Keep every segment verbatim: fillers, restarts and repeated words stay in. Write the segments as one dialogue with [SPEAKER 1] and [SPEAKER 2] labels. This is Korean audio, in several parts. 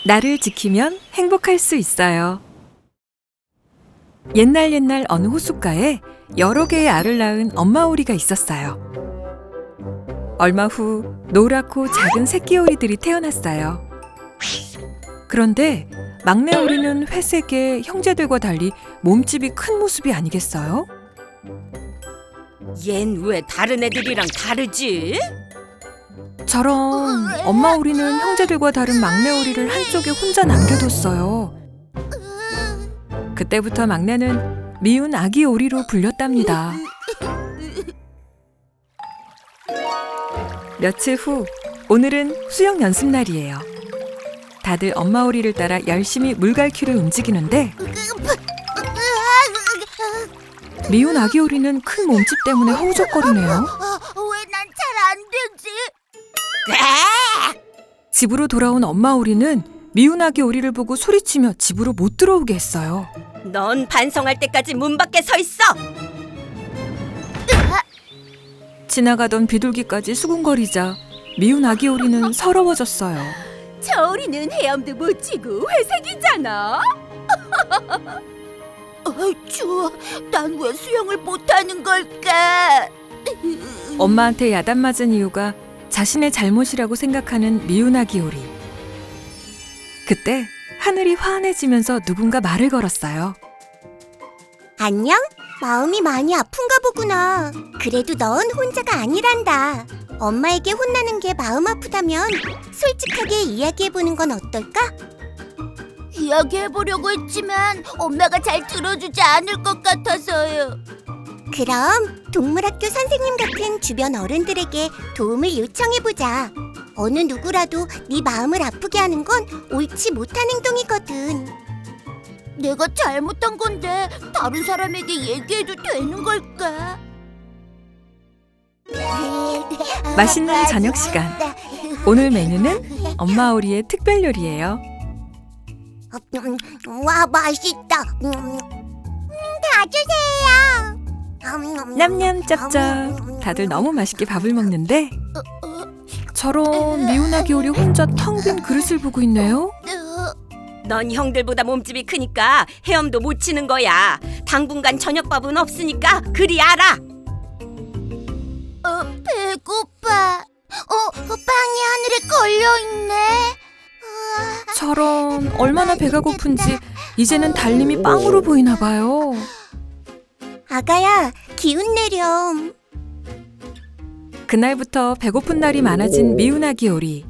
[SPEAKER 1] 나를 지키면 행복할 수 있어요. 옛날 옛날 어느 호숫가에 여러 개의 알을 낳은 엄마 오리가 있었어요. 얼마 후 노랗고 작은 새끼 오리들이 태어났어요. 그런데 막내 오리는 회색의 형제들과 달리 몸집이 큰 모습이 아니겠어요?
[SPEAKER 2] 얜 왜 다른 애들이랑 다르지?
[SPEAKER 1] 저런 엄마 오리는 형제들과 다른 막내 오리를 한쪽에 혼자 남겨뒀어요. 그때부터 막내는 미운 아기 오리로 불렸답니다. 며칠 후, 오늘은 수영 연습 날이에요. 다들 엄마 오리를 따라 열심히 물갈퀴를 움직이는데 미운 아기 오리는 큰 몸집 때문에 허우적거리네요.
[SPEAKER 3] 왜 난 잘 안 되지?
[SPEAKER 1] 집으로 돌아온 엄마 오리는 미운 아기 오리를 보고 소리치며 집으로 못 들어오게 했어요.
[SPEAKER 2] 넌 반성할 때까지 문 밖에 서 있어.
[SPEAKER 1] 지나가던 비둘기까지 수군거리자 미운 아기 오리는 서러워졌어요.
[SPEAKER 2] 저 오리는 헤엄도 못 치고 회색이잖아.
[SPEAKER 3] 어이, 추워. 난 왜 수영을 못하는 걸까?
[SPEAKER 1] 엄마한테 야단맞은 이유가 자신의 잘못이라고 생각하는 미운 아기 오리. 그때 하늘이 환해지면서 누군가 말을 걸었어요.
[SPEAKER 3] 안녕? 마음이 많이 아픈가 보구나. 그래도 넌 혼자가 아니란다. 엄마에게 혼나는 게 마음 아프다면 솔직하게 이야기해보는 건 어떨까? 이야기해보려고 했지만 엄마가 잘 들어주지 않을 것 같아서요. 그럼 동물학교 선생님 같은 주변 어른들에게 도움을 요청해보자. 어느 누구라도 네 마음을 아프게 하는 건 옳지 못한 행동이거든. 내가 잘못한 건데 다른 사람에게 얘기해도 되는 걸까?
[SPEAKER 1] 맛있는 저녁 시간. 오늘 메뉴는 엄마 오리의 특별 요리예요.
[SPEAKER 3] 와, 맛있다. 다 주세요.
[SPEAKER 1] 냠냠 짭짭. 다들 너무 맛있게 밥을 먹는데 저런 미운 아기 오리 혼자 텅 빈 그릇을 보고 있네요.
[SPEAKER 2] 넌 형들보다 몸집이 크니까 헤엄도 못 치는 거야. 당분간 저녁밥은 없으니까 그리 알아.
[SPEAKER 3] 어, 배고파. 어, 빵이 하늘에 걸려있네.
[SPEAKER 1] 저런 얼마나 배가 고픈지 이제는 달님이 빵으로 보이나 봐요.
[SPEAKER 3] 아가야, 기운 내렴.
[SPEAKER 1] 그날부터 배고픈 날이 많아진 미운 아기 오리.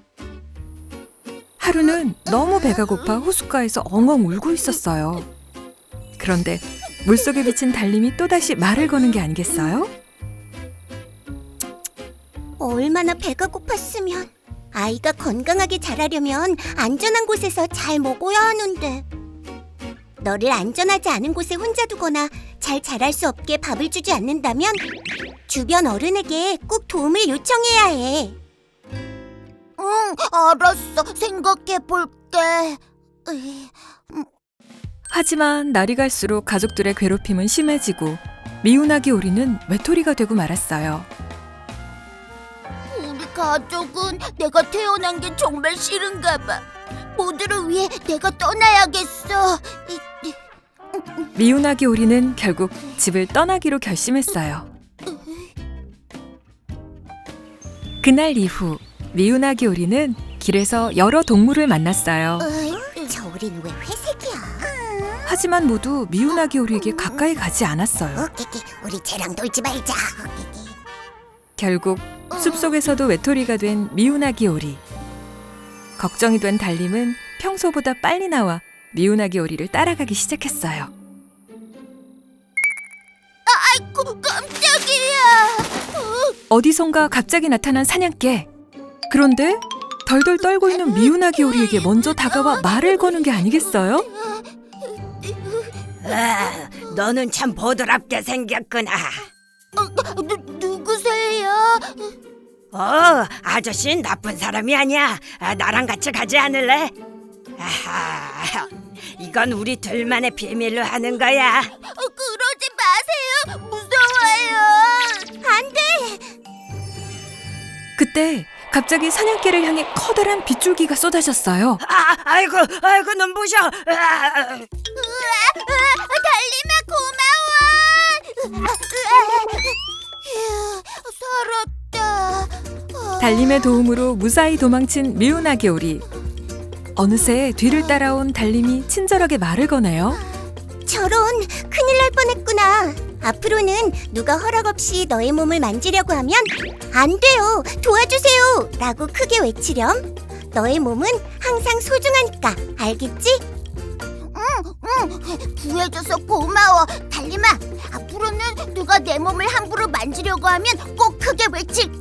[SPEAKER 1] 하루는 너무 배가 고파 호숫가에서 엉엉 울고 있었어요. 그런데 물속에 비친 달님이 또다시 말을 거는 게 아니겠어요?
[SPEAKER 3] 얼마나 배가 고팠으면. 아이가 건강하게 자라려면 안전한 곳에서 잘 먹어야 하는데. 너를 안전하지 않은 곳에 혼자 두거나 잘 자랄 수 없게 밥을 주지 않는다면 주변 어른에게 꼭 도움을 요청해야 해. 응, 알았어. 생각해 볼게.
[SPEAKER 1] 하지만 날이 갈수록 가족들의 괴롭힘은 심해지고 미운 아기 오리는 외톨이가 되고 말았어요.
[SPEAKER 3] 우리 가족은 내가 태어난 게 정말 싫은가 봐. 모두를 위해 내가 떠나야겠어.
[SPEAKER 1] 미운 아기 오리는 결국 집을 떠나기로 결심했어요. 그날 이후 미운 아기 오리는 길에서 여러 동물을 만났어요.
[SPEAKER 3] 어이, 저 우린 왜 회색이야?
[SPEAKER 1] 하지만 모두 미운 아기 오리에게 가까이 가지 않았어요.
[SPEAKER 3] 오케이, 우리 쟤랑 놀지 말자.
[SPEAKER 1] 결국 숲속에서도 외톨이가 된 미운 아기 오리. 걱정이 된 달님은 평소보다 빨리 나와 미운 아기 오리를 따라가기 시작했어요.
[SPEAKER 3] 아이고, 깜짝이야.
[SPEAKER 1] 어디선가 갑자기 나타난 사냥개. 그런데 덜덜 떨고 있는 미운 아기 오리에게 먼저 다가와 말을 거는 게 아니겠어요?
[SPEAKER 2] 아, 너는 참 보드랍게 생겼구나.
[SPEAKER 3] 어, 누, 누구세요?
[SPEAKER 2] 어, 아저씨는 나쁜 사람이 아니야. 아, 나랑 같이 가지 않을래? 아하, 이건 우리 둘만의 비밀로 하는 거야.
[SPEAKER 3] 어, 그러지 마세요. 무서워요. 안 돼.
[SPEAKER 1] 그때 갑자기 사냥개를 향해 커다란 빗줄기가 쏟아졌어요.
[SPEAKER 2] 아, 아이고, 아이고 눈부셔. 아,
[SPEAKER 3] 달림아 고마워. 휴, 살았다.
[SPEAKER 1] 달림의 도움으로 무사히 도망친 미운 아기 오리. 어느새 뒤를 따라온 달림이 친절하게 말을 거네요.
[SPEAKER 3] 저런, 큰일 날 뻔했구나. 앞으로는 누가 허락 없이 너의 몸을 만지려고 하면 안 돼요, 도와주세요 라고 크게 외치렴. 너의 몸은 항상 소중하니까, 알겠지? 응, 응, 구해줘서 고마워. 달림아, 앞으로는 누가 내 몸을 함부로 만지려고 하면 꼭 크게 외칠게.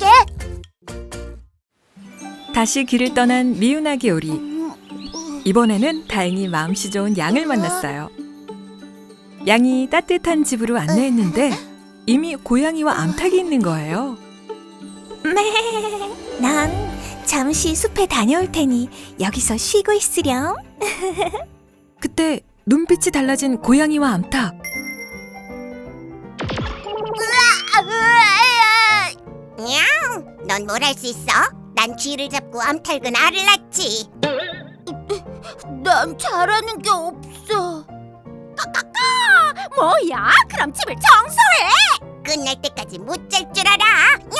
[SPEAKER 1] 다시 길을 떠난 미운 아기 오리. 이번에는 다행히 마음씨 좋은 양을 만났어요. 양이 따뜻한 집으로 안내했는데 이미 고양이와 암탉이 있는 거예요.
[SPEAKER 3] 네, 난 잠시 숲에 다녀올 테니 여기서 쉬고 있으렴.
[SPEAKER 1] 그때 눈빛이 달라진 고양이와 암탉.
[SPEAKER 3] 넌 뭘 할 수 있어? 난 쥐를 잡고 암탉은 알을 낳지. 난 잘하는 게 없어. 뭐야? 그럼 집을 청소해. 끝날 때까지 못 잘 줄 알아.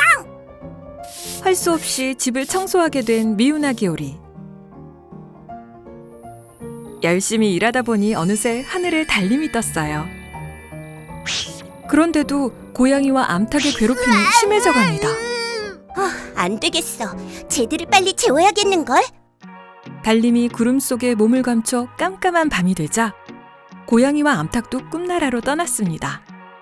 [SPEAKER 1] 할 수 없이 집을 청소하게 된 미운 아기 오리. 열심히 일하다 보니 어느새 하늘에 달림이 떴어요. 그런데도 고양이와 암탉의 괴롭힘이 심해져 갑니다.
[SPEAKER 3] 아, 안 되겠어. 쟤들을 빨리 재워야겠는걸?
[SPEAKER 1] 달림이 구름 속에 몸을 감춰 깜깜한 밤이 되자 고양이와 암탉도 꿈나라로 떠났습니다.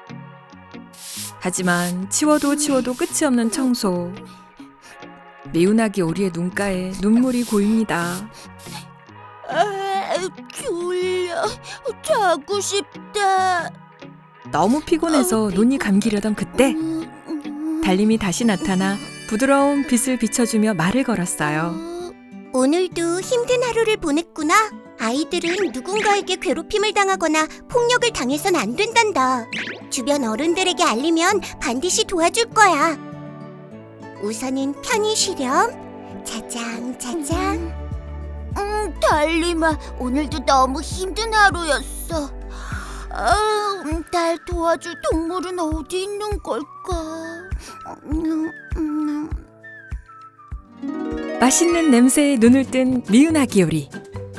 [SPEAKER 1] 하지만 치워도 치워도 끝이 없는 청소. 미운 아기 오리의 눈가에 눈물이 고입니다.
[SPEAKER 3] 아, 졸려. 자고 싶다.
[SPEAKER 1] 너무 피곤해서 눈이 감기려던 그때 달림이 다시 나타나 부드러운 빛을 비춰주며 말을 걸었어요.
[SPEAKER 3] 오늘도 힘든 하루를 보냈구나. 아이들은 누군가에게 괴롭힘을 당하거나 폭력을 당해선 안 된단다. 주변 어른들에게 알리면 반드시 도와줄 거야. 우선은 편히 쉬렴. 자장 자장. 음, 달림아, 오늘도 너무 힘든 하루였어. 아, 날 도와줄 동물은 어디 있는 걸까? 음, 음.
[SPEAKER 1] 맛있는 냄새에 눈을 뜬 미운 아기 오리.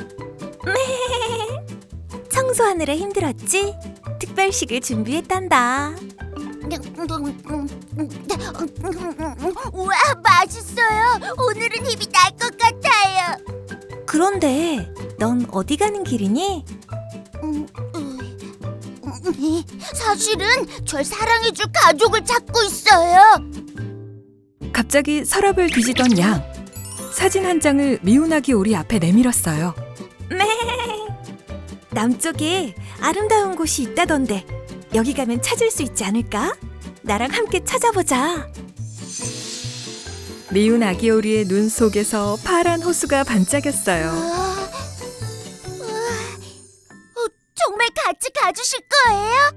[SPEAKER 3] 청소하느라 힘들었지? 특별식을 준비했단다. 우와, 맛있어요. 오늘은 힘이 날 것 같아요. 그런데 넌 어디 가는 길이니? 사실은 절 사랑해줄 가족을 찾고 있어요.
[SPEAKER 1] 갑자기 서랍을 뒤지던 양. 사진 한 장을 미운 아기 오리 앞에 내밀었어요.
[SPEAKER 3] 남쪽에 아름다운 곳이 있다던데 여기 가면 찾을 수 있지 않을까? 나랑 함께 찾아보자.
[SPEAKER 1] 미운 아기 오리의 눈 속에서 파란 호수가 반짝였어요.
[SPEAKER 3] 아, 어, 정말 같이 가주실 거예요?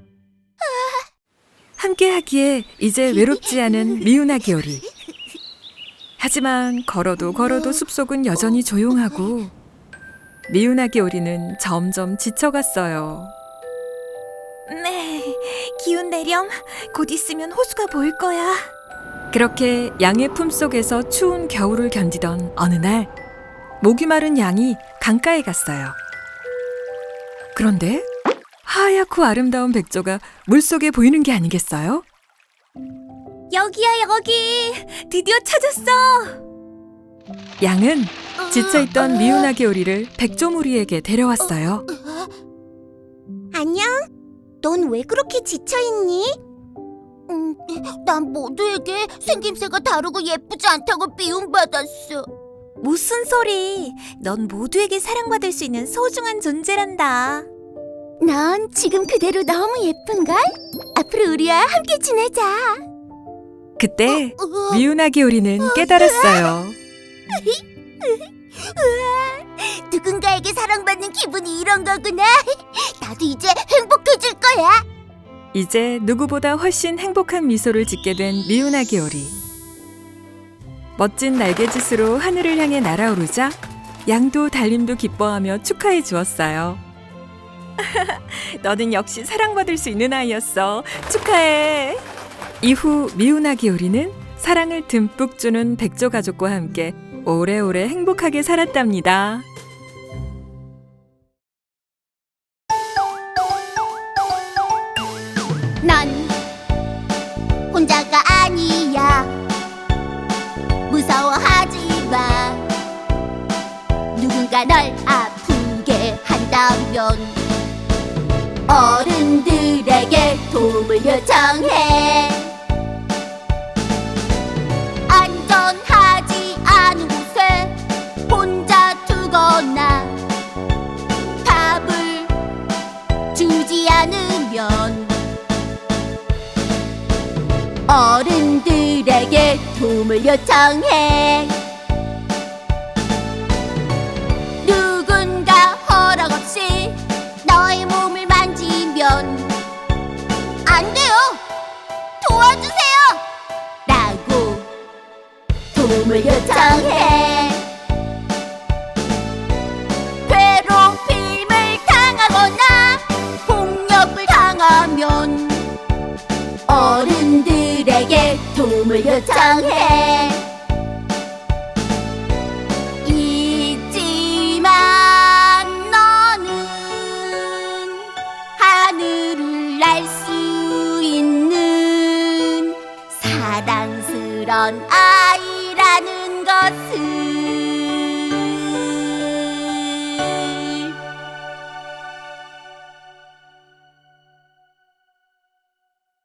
[SPEAKER 1] 함께 하기에 이제 외롭지 않은 미운 아기 오리. 하지만 걸어도 걸어도 숲속은 여전히 조용하고 미운 아기 오리는 점점 지쳐갔어요.
[SPEAKER 3] 네, 기운 내렴. 곧 있으면 호수가 보일 거야.
[SPEAKER 1] 그렇게 양의 품속에서 추운 겨울을 견디던 어느 날 목이 마른 양이 강가에 갔어요. 그런데 하얗고 아름다운 백조가 물속에 보이는 게 아니겠어요?
[SPEAKER 3] 여기야, 여기. 드디어 찾았어.
[SPEAKER 1] 양은 지쳐있던 미운 아기 오리를 백조무리에게 데려왔어요.
[SPEAKER 3] 안녕. 넌 왜 그렇게 지쳐있니? 음, 난 모두에게 생김새가 다르고 예쁘지 않다고 미움받았어. 무슨 소리. 넌 모두에게 사랑받을 수 있는 소중한 존재란다. 넌 지금 그대로 너무 예쁜걸? 앞으로 우리와 함께 지내자.
[SPEAKER 1] 그때 미운 아기 오리는 깨달았어요.
[SPEAKER 3] 누군가에게 사랑받는 기분이 이런 거구나. 나도 이제 행복해질 거야.
[SPEAKER 1] 이제 누구보다 훨씬 행복한 미소를 짓게 된 미운 아기 오리. 멋진 날개짓으로 하늘을 향해 날아오르자 양도 달림도 기뻐하며 축하해 주었어요. 너는 역시 사랑받을 수 있는 아이였어. 축하해. 이후 미운아기 오리는 사랑을 듬뿍 주는 백조 가족과 함께 오래오래 행복하게 살았답니다.
[SPEAKER 3] 넌 혼자가 아니야. 무서워하지 마. 누군가 널 아프게 한다면 어른들에게 도움을 요청해. 안전하지 않은 곳에 혼자 두거나 밥을 주지 않으면 어른들에게 도움을 요청해. 누군가 허락 없이 너의 몸을 만지면 안 돼요. 도와주세요. 라고 도움을 요청해. 괴롭힘을 당하거나 폭력을 당하면 어른들에게 도움을 요청해. 있지만 너는 하늘을 날 수 있는 사랑스런 아이라는 것을